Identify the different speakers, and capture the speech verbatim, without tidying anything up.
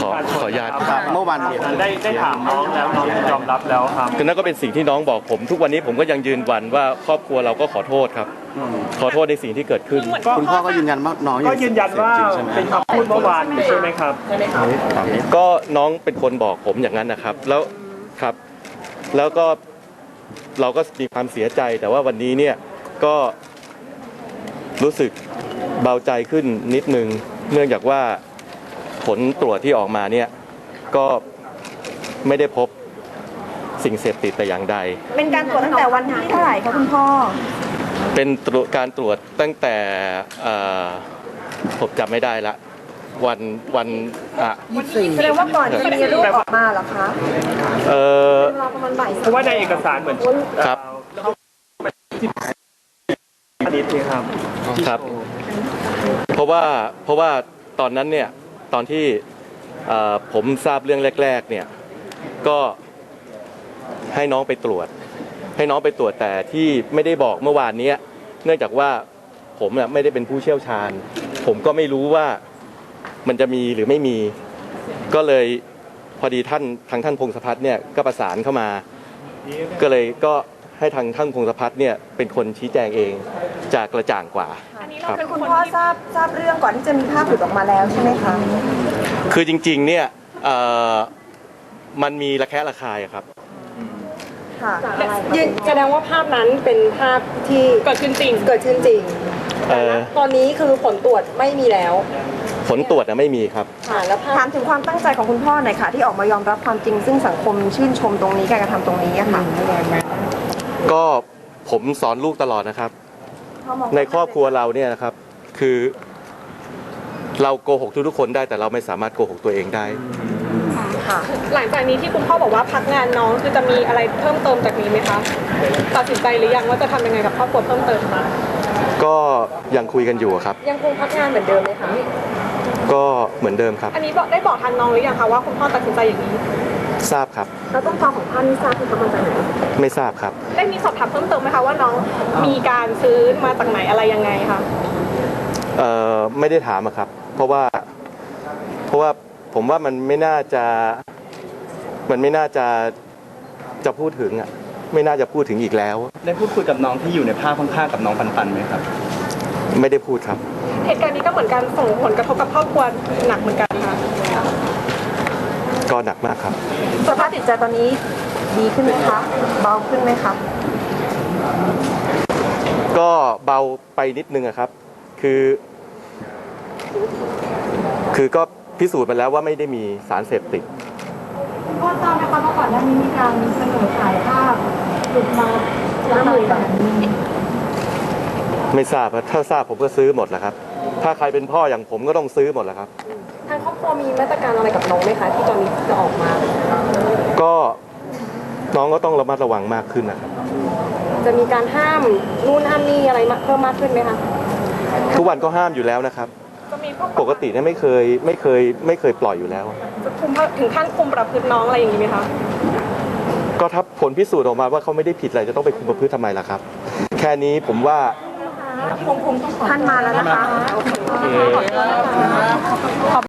Speaker 1: ขอขออนุญาต
Speaker 2: ครับเมื่อวัน
Speaker 3: ได้ได้ถามน้องแล้วน้องยอมรับแล้วครับ
Speaker 1: คือนั่นก็เป็นสิ่งที่น้องบอกผมทุกวันนี้ผมก็ยังยืนยันว่าครอบครัวเราก็ขอโทษครับขอโทษในสิ่งที่เกิดขึ้น
Speaker 2: คุณพ่อก็ยืนยันว่าน้อง
Speaker 3: ก็ยืนยันว่าเป็นคำพูดเมื่อวานใช่ไหมครับ
Speaker 1: ก็น้องเป็นคนบอกผมอย่างนั้นนะครับแล้วครับแล้วก็เราก็มีความเสียใจแต่ว่าวันนี้เนี่ยก็รู้สึกเบาใจขึ้นนิดนึงเนื่องจากว่าผลตรวจที่ออกมาเนี่ยก็ไม่ได้พบสิ่งเสพติดแต่อย่างใด
Speaker 4: เป็นการตรวจตั้งแต่วันที่เท่าไหร่คะคุณพ่อ
Speaker 1: เป็นการตรวจตั้งแต่ผมจำไม่ได้ละวันวันอ่ะ
Speaker 4: แสดงว่าก่อนที่มีรูปออกมาเหรอคะ
Speaker 1: เออ
Speaker 3: เพราะว่าในเอกสารเหมือน
Speaker 1: ครับ
Speaker 3: นิดนึงครับ
Speaker 1: ครับเพราะว่าเพราะว่าตอนนั้นเนี่ยตอนที่ผมทราบเรื่องแรกๆเนี่ยก็ให้น้องไปตรวจให้น้องไปตรวจแต่ที่ไม่ได้บอกเมื่อวานนี้เนื่องจากว่าผมเนี่ยไม่ได้เป็นผู้เชี่ยวชาญผมก็ไม่รู้ว่ามันจะมีหรือไม่มีก็เลยพอดีท่านทางท่านพงศพัฒน์เนี่ยก็ประสานเข้ามาก็เลยก็ให้ทางท่านพงศพัฒน์เนี่ยเป็นคนชี้แจงเองจะกระจ่างกว่า
Speaker 4: ครับคือคุณพ่อทราบทราบเรื่องก่อนที่จะมีภาพหลุดออกมาแล้วใช่ไหมคะ
Speaker 1: คือจริงๆเนี่ยมันมีระแคะระคายครับ
Speaker 4: ค่ะ
Speaker 5: แสดงว่าภาพนั้นเป็นภาพที่เกิดขึ้นจริงเกิดขึ้นจริงตอนนี้คือผลตรวจไม่มีแล้ว
Speaker 1: ผลตรวจนะไม่มีครับ
Speaker 4: แล้วถามถึงความตั้งใจของคุณพ่อหน่อยค่ะที่ออกมายอมรับความจริงซึ่งสังคมชื่นชมตรงนี้การกระทำตรงนี้ค่ะ
Speaker 1: ก็ผมสอนลูกตลอดนะครับในครอบครัวเราเนี่ยนะครับคือเราโกหกทุกๆคนได้แต่เราไม่สามารถโกหกตัวเองได้
Speaker 5: หลังจากนี้ที่คุณพ่อบอกว่าพักงานน้องคือจะมีอะไรเพิ่มเติมจากนี้ไหมคะตัดสินใจหรือยังว่าจะทำยังไงกับครอบครัวเพิ่มเติมคะ
Speaker 1: ก็ยังคุยกันอยู่ครับ
Speaker 5: ยังคงพักงานเหมือนเดิมไหมคะ
Speaker 1: ก็เหมือนเดิมครับ
Speaker 5: อันนี้บอกได้บอกทางน้องหรือยังคะว่าคุณพ่อตัดสินใจอย่างนี้
Speaker 1: ทราบครับ
Speaker 4: แล้วต้นตอของพ่อนี่ทราบคือมาจากไหน
Speaker 1: ไม่ทราบครับ
Speaker 5: ได้มีสอบถามเพิ่มเติมไหมคะว่าน้องมีการซื้อมาจากไหนอะไรยังไงคะ
Speaker 1: เอ่อไม่ได้ถามครับเพราะว่าเพราะว่าผมว่ามันไม่น่าจะมันไม่น่าจะจะพูดถึงอ่ะไม่น่าจะพูดถึงอีกแล้ว
Speaker 3: ได้พูดคุยกับน้องที่อยู่ในภาพข้างๆกับน้องปันปันไหมครับ
Speaker 1: ไม่ได้พูดครับ
Speaker 5: เหตุการณ์นี้ก็เหมือนกันส่งผลกระทบกับครอบครัวหนักเหมือนกันค่ะ
Speaker 1: ก็หนักมากครับ
Speaker 4: สภาพจิตใจตอนนี้ดีขึ้นไหมคะเบาขึ้นไหมคะ
Speaker 1: ก็เบาไปนิดนึงอะครับคือคือก็พิสูจน์มาแล้วว่าไม่ได้มีสารเสพติด
Speaker 4: พ่อทราบไหมคะว่าก่อนหน้านี้มีการเสนอขายภาพหลุดมาแล้วมือแบบนี้
Speaker 1: ไม่ทราบถ้าทราบผมก็ซื้อหมดแหละครับถ้าใครเป็นพ่ออย่างผมก็ต้องซื้อหมดแหละครับ
Speaker 5: ทางครอบครัวมีมาตรการอะไรกับน้องไหมคะที่ตอนนี้จะออกมา
Speaker 1: ก็น้องก็ต้องระมัดระวังมากขึ้นนะครับ
Speaker 5: จะมีการห้ามนู่นห้ามนี่อะไรเพิ่มมากขึ้นไหมคะ
Speaker 1: ทุกวันก็ห้ามอยู่แล้วนะครับปกติเนี่ยไม่เคยไม่เคยไม่เคยปล่อยอยู่แล้ว
Speaker 5: จะคุมถึงขั้นคุมประพฤติน้องอะไรอย่างนี้ไหมคะ
Speaker 1: ก็ถ้าผลพิสูจน์ออกมาว่าเขาไม่ได้ผิดอะไรจะต้องไปคุมประพฤติทำไมล่ะครับแค่นี้ผมว่า
Speaker 4: ท่านมาแล้วนะคะ